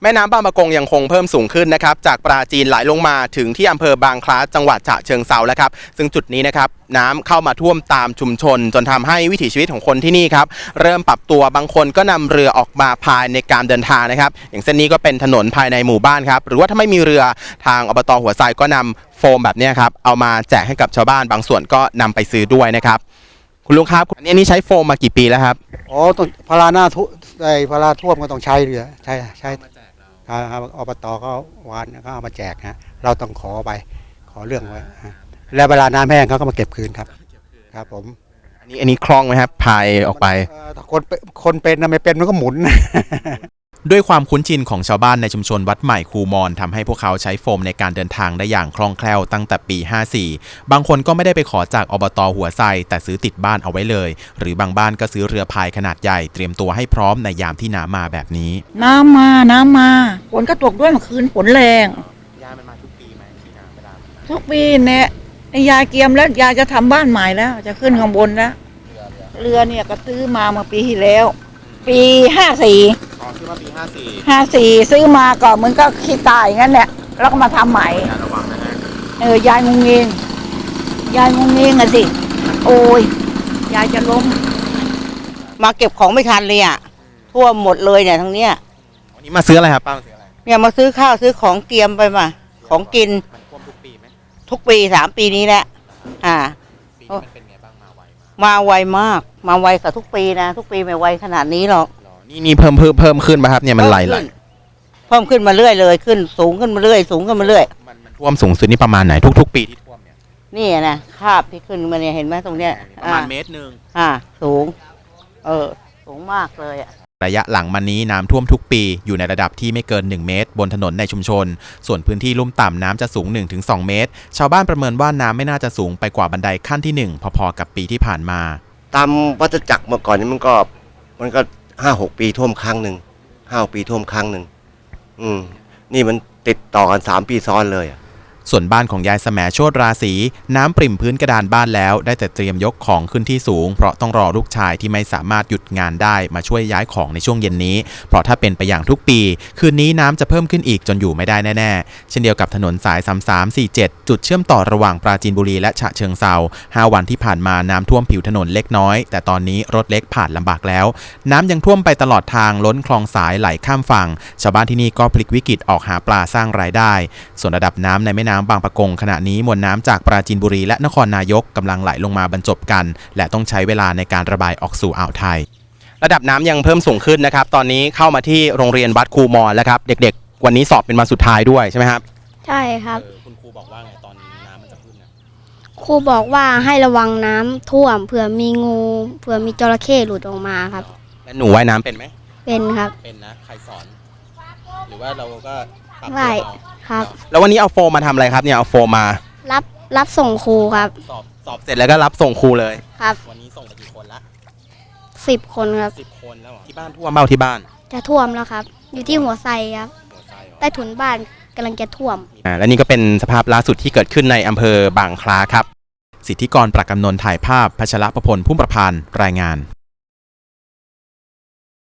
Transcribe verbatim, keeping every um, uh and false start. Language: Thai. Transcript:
แม่น้ำบางปะกงยังคงเพิ่มสูงขึ้นนะครับจากปราจีนไหลลงมาถึงที่อำเภอบางคล้าจังหวัดฉะเชิงเทราแล้วครับซึ่งจุดนี้นะครับน้ำเข้ามาท่วมตามชุมชนจนทำให้วิถีชีวิตของคนที่นี่ครับเริ่มปรับตัวบางคนก็นำเรือออกมาพายในการเดินทางนะครับอย่างเส้นนี้ก็เป็นถนนภายในหมู่บ้านครับหรือว่าถ้าไม่มีเรือทางอบต.หัวไซก็นำโฟมแบบนี้ครับเอามาแจกให้กับชาวบ้านบางส่วนก็นำไปซื้อด้วยนะครับคุณลุงครับอันนี้ใช้โฟมมากี่ปีแล้วครับอ๋อต้องพาราหน้าทุไอ้พาราท่วมก็ต้องใช้เรือใช่ใช่ครับอบตก็วานก็เอามาแจกฮะเราต้องขอไปขอเรื่องไว้แล้วเวลาน้ำแห้งเขาก็มาเก็บคืนครับครับผมอันนี้อันนี้คล่องไหมครับพายออกไปคนคนเป็นนะไม่เป็นมันก็หมุนด้วยความคุ้นชินของชาวบ้านในชุมชนวัดใหม่คูมอนทำให้พวกเขาใช้โฟมในการเดินทางได้อย่างคล่องแคล่วตั้งแต่ปีห้าสี่บางคนก็ไม่ได้ไปขอจากอบต.หัวไซแต่ซื้อติดบ้านเอาไว้เลยหรือบางบ้านก็ซื้อเรือพายขนาดใหญ่เตรียมตัวให้พร้อมในยามที่น้ำมาแบบนี้น้ำมาน้ำมาฝนก็ตกด้วยเมื่อคืนฝนแรงยายมันมาทุกปีไหมที่น้ำเวลาทุกปีเนี่ยยายเกียมแล้วยายจะทำบ้านใหม่แล้วจะขึ้นข้างบนแล้วเรือเนี่ยก็ซื้อมาเมื่อปีที่แล้วปีห้าสี่อ๋อซื้อมาปีห้าสี่ห้าสี่ซื้อมาก็เหมือนก็ขี้ตายงั้นแหละแล้วก็มาทำใหม่ระวังนะฮะเออยายงงเงงยายงงเงงอะสิโอ้ยยายจะล้มมาเก็บของไม่ทันเลยอ่ะท่วมหมดเลยเนี่ยทั้งเนี้ยวันนี้มาซื้ออะไรครับป้ามาซื้ออะไรเนี่ยมาซื้อข้าวซื้อของเตรียมไปมาของกินมันท่วมทุกปีไหมทุกปีสามปีนี้แหละอ่าปีนี้มันเป็นไงบ้างมาไวมาไวมากมาไวกว่าทุกปีนะทุกปีไม่ไวขนาดนี้หรอกนี่นี่เพิ่มเพิ่มเพิ่มขึ้นไหมครับเนี่ยมันไหลไหลเพิ่มขึ้นมาเรื่อยเลยขึ้นสูงขึ้นมาเรื่อยสูงขึ้นมาเรื่อยมันมันท่วมสูงสุดนี่ประมาณไหนทุกๆปีที่ท่วมเนี่ยนี่นะคาบที่ขึ้นมาเนี่ยเห็นไหมตรงเนี้ยประมาณเมตรหนึ่งอ่าสูงเออสูงมากเลยอ่ะระยะหลังมานี้น้ำท่วมทุกปีอยู่ในระดับที่ไม่เกินหนึ่งเมตรบนถนนในชุมชนส่วนพื้นที่ลุ่มต่ำน้ำจะสูง หนึ่งถึงสอง เมตรชาวบ้านประเมินว่าน้ำไม่น่าจะสูงไปกว่าบันไดขั้นที่หนึ่งพอๆกับปีที่ผ่านมาตามวัฏจักรเมื่อก่อนนี้มันก็มันก็ห้าหกปีท่วมครั้งหนึ่งห้าปีท่วมครั้งหนึ่งอืมนี่มันติดต่อกันสามปีซ้อนเลยอ่ะส่วนบ้านของยายแสมโชติราศีน้ำปริ่มพื้นกระดานบ้านแล้วได้แต่เตรียมยกของขึ้นที่สูงเพราะต้องรอลูกชายที่ไม่สามารถหยุดงานได้มาช่วยย้ายของในช่วงเย็นนี้เพราะถ้าเป็นไปอย่างทุกปีคืนนี้น้ำจะเพิ่มขึ้นอีกจนอยู่ไม่ได้แน่ๆเช่นเดียวกับถนนสายสามสามสี่เจ็ดจุดเชื่อมต่อระหว่างปราจีนบุรีและฉะเชิงเทราห้าวันที่ผ่านมาน้ำท่วมผิวถนนเล็กน้อยแต่ตอนนี้รถเล็กผ่านลำบากแล้วน้ำยังท่วมไปตลอดทางล้นคลองสายไหลข้ามฝั่งชาวบ้านที่นี่ก็พลิกวิกฤตออกหาปลาสร้างรายได้ส่วนระดับน้ำในแม่น้ำบางปะกงขณะนี้มวลน้ำจากปราจีนบุรีและนครนายกกำลังไหลลงมาบรรจบกันและต้องใช้เวลาในการระบายออกสู่อ่าวไทยระดับน้ำยังเพิ่มสูงขึ้นนะครับตอนนี้เข้ามาที่โรงเรียนวัดคูมอนแล้วครับเด็กๆวันนี้สอบเป็นวันสุดท้ายด้วยใช่ไหมครับใช่ครับคุณครูบอกว่าไงตอนน้ำมันจะขึ้นนะครูบอกว่าให้ระวังน้ำท่วมเผื่อมีงูเผื่อมีจระเข้หลุดออกมาครับแล้วหนูว่ายน้ำเป็นไหมเป็นครับเป็นนะใครสอนหรือว่าเราก็ปรับตัวเอาครับแล้ววันนี้เอาโฟมมาทำอะไรครับเนี่ยเอาโฟมมารับรับส่งครูครับสอบสอบเสร็จแล้วก็รับส่งครูเลยครับวันนี้ส่งไปกี่คนละสิบคนครับสิบคนแล้วที่บ้านท่วมเบ้าที่บ้านจะท่วมแล้วครับอยู่ที่หัวไซครับใต้ถุนบ้านกำลังจะท่วมอ่าและนี่ก็เป็นสภาพล่าสุดที่เกิดขึ้นในอำเภอบางคล้าครับสิทธิกรประกำนนถ่ายภาพพัชรประพลพุ่มประพันธ์รายงาน